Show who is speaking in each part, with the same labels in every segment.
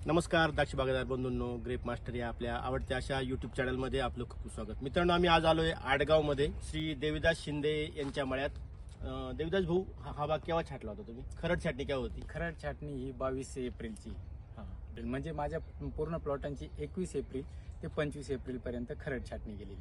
Speaker 1: नमस्कार द्राक्ष बागायतदार बंधूंनो, ग्रेप मास्टर या आपल्या आवडत्या अशा यूट्यूब चॅनलमध्ये आपलं खूप स्वागत. मित्रांनो, आम्ही आज आलोय आडगावमध्ये श्री देविदास शिंदे यांच्या मळ्यात. देविदास भाऊ, हा बाग केव्हा छाटला होता तुम्ही? खरड छाटणी केव्हा होती?
Speaker 2: खरड छाटणी ही 22 एप्रिलची. म्हणजे माझ्या पूर्ण प्लॉटांची 21 एप्रिल ते 25 एप्रिल पर्यंत खरड छाटणी गेलेली.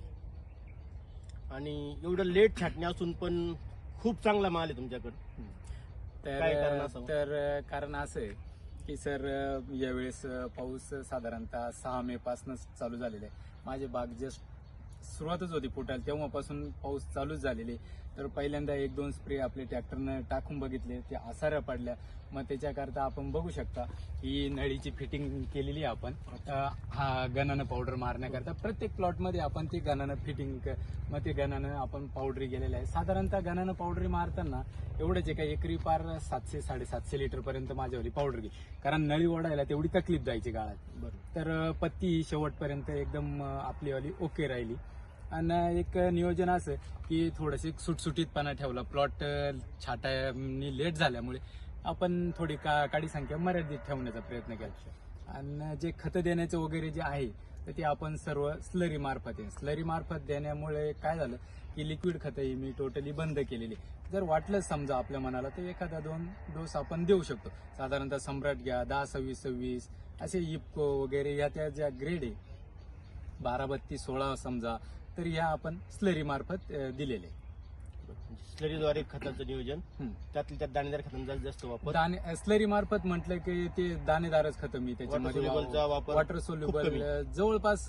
Speaker 1: आणि एवढं लेट छाटणी असून पण खूप चांगला माल आहे तुमच्याकडे. काय कारण असावं?
Speaker 2: तर कारण असं आहे की सर, यावेळेस पाऊस साधारणतः 6 मे पासूनच चालू झालेला आहे. माझे बाग जस्ट सुरुवातच होती फुटायला, तेव्हापासून पाऊस चालूच झालेले. तर पहिल्यांदा 1-2 स्प्रे आपले ट्रॅक्टरनं टाकून बघितले, ते आसाऱ्या पडल्या. मग त्याच्याकरता आपण बघू शकता ही नळीची फिटिंग केलेली आहे आपण. हा गणानं पावडर मारण्याकरता प्रत्येक प्लॉटमध्ये आपण ती गणानं फिटिंग, मग ते गणानं आपण पावडरी गेलेलं आहे. साधारणतः गणानं पावडरी मारताना एवढंच आहे का एकरी पार 700-750 लिटर पर्यंत माझ्यावरी पावडर घे, कारण नळी ओढायला तेवढी तकलीफ जायची गाळात. बरं. तर पत्ती शेवटपर्यंत एकदम आपलीवाली ओके राहिली. आणि एक नियोजन असं की थोडंसं सुटसुटीतपणा ठेवला. प्लॉट छाटायनी लेट झाल्यामुळे आपण थोडी काडी संख्या मर्यादित ठेवण्याचा प्रयत्न केला. आणि जे खतं देण्याचं वगैरे जे आहे तर ते आपण सर्व स्लरी मार्फत देण्यामुळे काय झालं की लिक्विड खतं ही मी टोटली बंद केलेली. जर वाटलं समजा आपल्या मनाला तर 1-2 डोस आपण देऊ शकतो. साधारणतः सम्राट घ्या, 10-26-26 असे इपको वगैरे या त्या ज्या ग्रेड आहे, 12-32-16 समजा, तर ह्या आपण स्लरी मार्फत दिलेले.
Speaker 1: स्लरीद्वारे खताचं नियोजन, त्यातल्या त्यात दाणेदार खतांचा जास्त वापर.
Speaker 2: स्लरी मार्फत म्हटलं की ते दाणेदारच खतं मी त्याच्यामध्ये वॉटर सोल्युबल जवळपास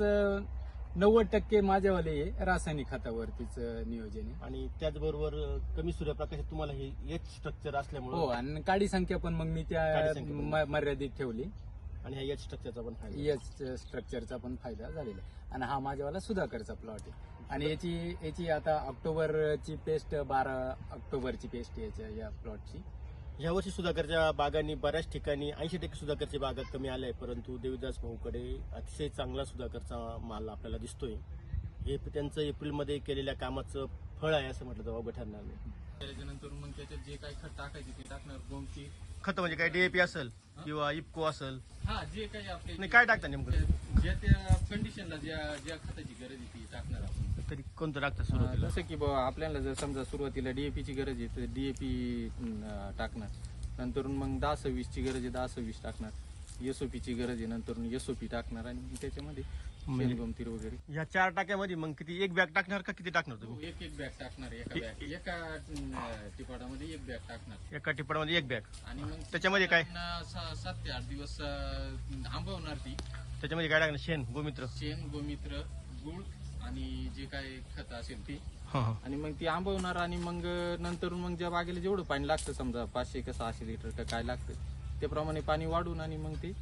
Speaker 2: 90% माझ्यावाले हे रासायनिक खतावरतीच नियोजन आहे.
Speaker 1: आणि त्याचबरोबर कमी सूर्यप्रकाशात तुम्हाला हे एच स्ट्रक्चर असल्यामुळे,
Speaker 2: हो, आणि काडी संख्या पण मग मी त्या मर्यादित ठेवली.
Speaker 1: आणि ह्या एच स्ट्रक्चरचा पण फायदा,
Speaker 2: एच स्ट्रक्चरचा पण फायदा झालेला आहे. आणि हा माझ्यावाला सुधाकरचा प्लॉट आहे. आणि याची आता ऑक्टोबरची पेस्ट, 12 ऑक्टोबरची पेस्ट या प्लॉटची.
Speaker 1: यावर्षी सुधाकरच्या बागांनी बऱ्याच ठिकाणी 80% सुधाकरच्या बागा कमी आल्या आहे, परंतु देविदास भाऊकडे अतिशय चांगला सुधाकरचा माल आपल्याला दिसतोय. हे त्यांचं एप्रिलमध्ये केलेल्या कामाचं फळ आहे असं म्हटलं तर अवघड ठरणार नाही.
Speaker 2: त्याच्यानंतर मग त्याच्यात जे काही खत टाकायचे ते टाकणार. गोमती
Speaker 1: खत म्हणजे काय, डीएपी असेल किंवा इपको असेल,
Speaker 2: जे काही आपले
Speaker 1: काय टाकता नेमकं?
Speaker 2: ज्या त्या कंडिशनला ज्या खताची गरज आहे ती टाकणार आपण.
Speaker 1: तरी कोणतं टाकतं सुरुवातीला?
Speaker 2: जसं की आपल्याला जर समजा सुरुवातीला डीएपीची गरज आहे तर डीएपी टाकणार. नंतर मग 10-26 ची गरज आहे 10-26 टाकणार. एसओपीची गरज आहे नंतर एसओपी टाकणार. आणि त्याच्यामध्ये शेणगोमतीर वगैरे
Speaker 1: या 4 टाक्यामध्ये मग किती, एक बॅग टाकणार का किती टाकणार तुम्ही?
Speaker 2: एक बॅग टाकणार. एका टिपाडामध्ये एक बॅग टाकणार.
Speaker 1: एका टिपाडामध्ये एक बॅग.
Speaker 2: आणि मग
Speaker 1: त्याच्यामध्ये काय
Speaker 2: 7 ते 8 दिवस आंबवणार ती.
Speaker 1: त्याच्यामध्ये काय टाकणार? शेण
Speaker 2: गोमित्र, गुळ आणि जे काय खत असेल ती.
Speaker 1: हा.
Speaker 2: आणि मग ती आंबवणार. आणि मग नंतर मग ज्या बागेला जेवढं पाणी लागतं, समजा 500 का 600 लिटर का काय लागतं त्याप्रमाणे पाणी वाढून आणि मग ते.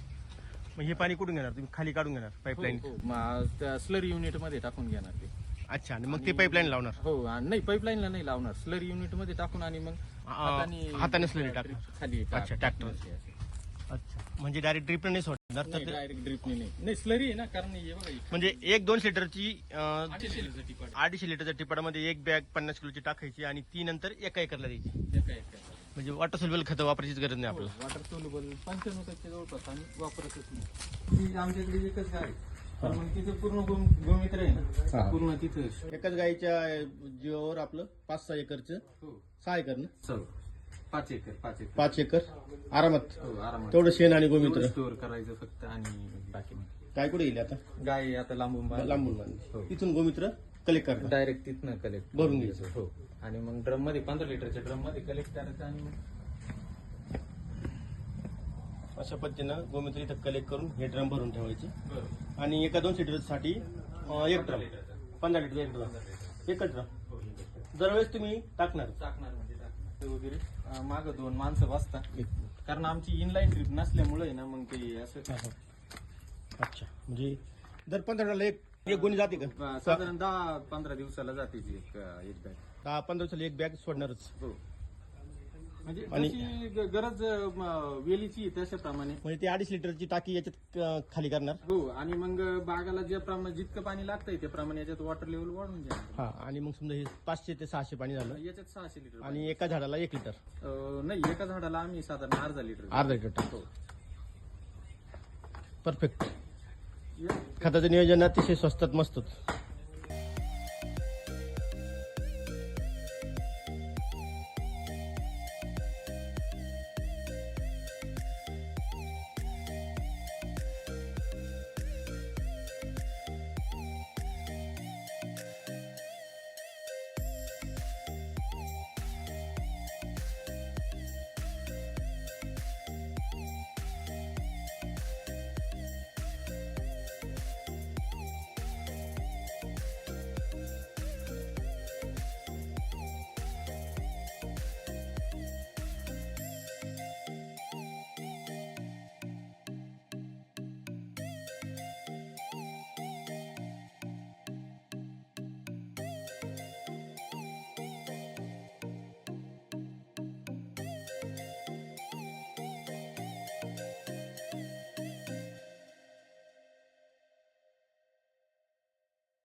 Speaker 1: मग हे पाणी कुठून घेणार तुम्ही? खाली काढून घेणार पाईपलाईन?
Speaker 2: त्या स्लरी युनिट मध्ये टाकून घेणार ते.
Speaker 1: अच्छा. आणि मग ते पाईपलाईन लावणार?
Speaker 2: हो. नाही, पाईपलाईनला नाही लावणार, स्लरी युनिट मध्ये टाकून आणि मग
Speaker 1: हाताने स्लरी टाकणार
Speaker 2: खाली.
Speaker 1: अच्छा, ट्रॅक्टर. अच्छा, म्हणजे डायरेक्ट ड्रिप नाही सोडणार तर?
Speaker 2: डायरेक्ट ड्रिपने नाही, स्लरी आहे ना. कारण हे बघा,
Speaker 1: म्हणजे 1-2 लिटरची
Speaker 2: 250 लिटरचा टिपाड.
Speaker 1: 250 लिटरच्या टिपाडामध्ये एक बॅग 50 किलोची टाकायची आणि ती नंतर एका एकरला द्यायची. म्हणजे वॉटर सोल्युबल खतं वापरायचीच गरज नाही आपल्याला.
Speaker 2: वॉटर सोल्युबल 95% जवळपास आणि वापरतच नाही. आमच्याकडे एकच गाय आहे, तर मग तिथे पूर्ण गोमित्र आहे ना, पूर्ण तिथं
Speaker 1: एकाच गायीच्या जीवावर आपलं 5-6 एकरचं. 6 एकर ना?
Speaker 2: 5 एकर
Speaker 1: 5 एकर आरामात.
Speaker 2: आरामात
Speaker 1: तेवढं शेण आणि गोमित्र
Speaker 2: स्टोअर करायचं फक्त. आणि बाकी
Speaker 1: काय कुठे गेले आता?
Speaker 2: गाय आता लांबून
Speaker 1: बांधली. तिथून गोमित्र कलेक्ट करतात,
Speaker 2: डायरेक्ट तिथनं कलेक्ट
Speaker 1: भरून घ्यायचं.
Speaker 2: हो. आणि मग ड्रम मध्ये 15 लिटरच्या ड्रम मध्ये कलेक्ट करायचं. आणि मग
Speaker 1: अशा पद्धतीनं गोमित्र इथं कलेक्ट करून हे ड्रम भरून ठेवायचे. आणि एका 2 लिटरसाठी एक ड्रम, 15 लिटर एक ड्रम, एकच ड्रम दरवेळेस तुम्ही टाकणार
Speaker 2: म्हणजे वगैरे. मागं 2 माणसं बसतात, कारण आमची इनलाईन ट्रिप नसल्यामुळे ना मग ते असं.
Speaker 1: अच्छा, म्हणजे दर 15ला एक गोणी जाते का?
Speaker 2: साधारण 10-15 दिवसाला जाते ती एक बॅग.
Speaker 1: 10-15 दिवसाला एक बॅग सोडणारच.
Speaker 2: हो. म्हणजे जशी गरज वेलीची त्याच्याप्रमाणे.
Speaker 1: म्हणजे ती 250 लिटरची टाकी याच्यात खाली करणार.
Speaker 2: हो. आणि मग बागाला ज्याप्रमाणे जितकं पाणी लागतंय त्याप्रमाणे याच्यात वॉटर लेवल वाढून जाईल.
Speaker 1: हा. आणि मग समजा हे 500 ते 600 पाणी झालं,
Speaker 2: याच्यात 600 लिटर.
Speaker 1: आणि एका झाडाला 1 लिटर?
Speaker 2: नाही, एका झाडाला आम्ही साधारण अर्धा लिटर
Speaker 1: टाकतो. परफेक्ट. खताचं नियोजन अतिशय स्वस्तात मस्त होतं.